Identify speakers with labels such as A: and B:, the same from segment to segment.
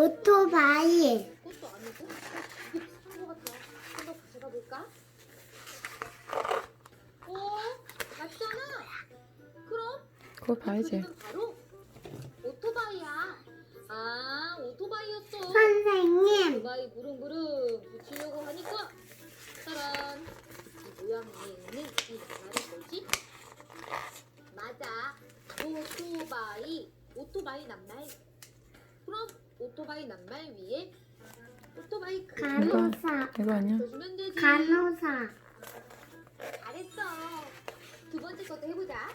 A: 오토바이.
B: 그것도 아니고 이게 비슷한 것 같아. 한번 가져가 볼까? 맞잖아. 그럼
C: 그거
B: 이
C: 봐야지.
B: 그림은 바로 오토바이야. 아, 오토바이였어.
A: 선생님.
B: 오토바이 부릉부릉 붙이려고 하니까 짜란. 이 모양 위에 있는 이 낱말이 뭐지? 맞아. 오토바이 낱말. 그럼 오토바이 낱말 위에 오토바이 그림을
A: 간호사.
C: 이거 아니야?
B: 붙여주면 되지.
A: 간호사.
B: 잘했어. 두 번째 것도 해보자.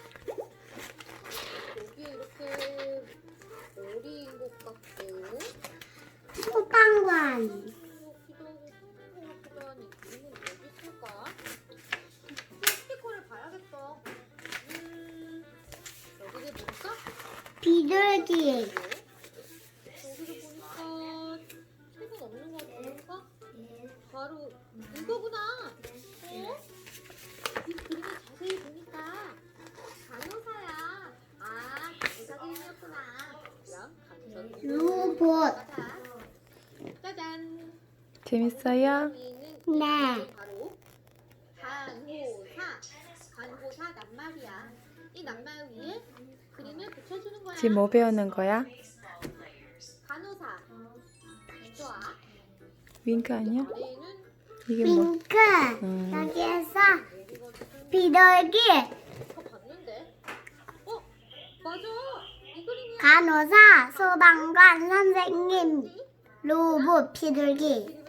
B: 여기에 이렇게 머리인 것 같고
A: 소방관.
B: 여기도 소방관 이 그림은 어디 있을까? 스티커를 봐야겠어. 여기를 보니까
A: 비둘기.
B: 여기를 보니까 책은 없는 것 같으니까 바로 이거구나. 이 그림을 자세히 보니까 간호사야. 아, 간호사 그림이었구나. 그럼 간호사
A: 로봇.
B: 맞아. 짜잔.
C: 재밌어요?
A: 네.
B: 바로 간호사 낱말이야. 이 낱말 위에 그림을 붙여주는 거야.
C: 지금 뭐 배우는 거야?
B: 간호사. 좋아.
C: 윙크 아니야?
B: 아래에는
C: 이게 뭐?
A: 핑크. 여기에서
B: 여기가 무슨
A: 비둘기.
B: 거 봤는데? 맞아. 이 그림이야.
A: 간호사. 소방관. 선생님. 로봇. 비둘기.
B: 그림을